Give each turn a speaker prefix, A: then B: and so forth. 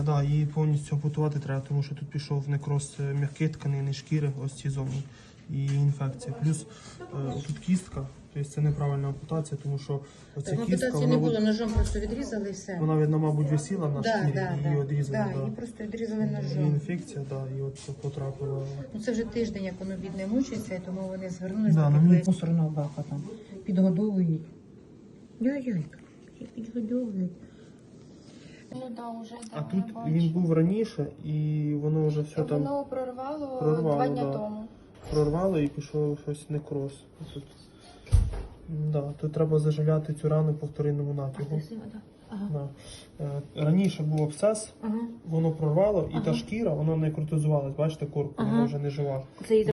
A: Да, її повністю ампутувати треба, тому що тут пішов некроз м'яких тканин, шкіри, ось ці зоні, і інфекція. Плюс тут кістка, тобто це неправильна ампутація, тому що оця кістка,
B: ампутації не було, ножом просто відрізали і все.
A: вона, видно, мабуть, висіла на шкірі, і її відрізали.
B: її просто відрізали
A: І
B: ножом.
A: інфекція, да, і от потрапила.
B: Ну це вже тиждень, як воно бідне мучиться, тому вони звернулися
A: Да,
B: до
A: ну,
B: такої мусорного бака там. Підгодовують. Яй-яй, підгодовують.
C: Ну да, уже
A: А тут він був раніше, і воно вже все там
C: воно прорвало 2
A: прорвало,
C: дня
A: да.
C: тому.
A: Прорвало і пішов щось некроз. Тут, да, тут треба заживляти цю рану по вторинному натягу. Да. Раніше був абсцес, воно прорвало, і та шкіра, воно некротизувалась, бачите, корпус, воно вже не жива.
B: Це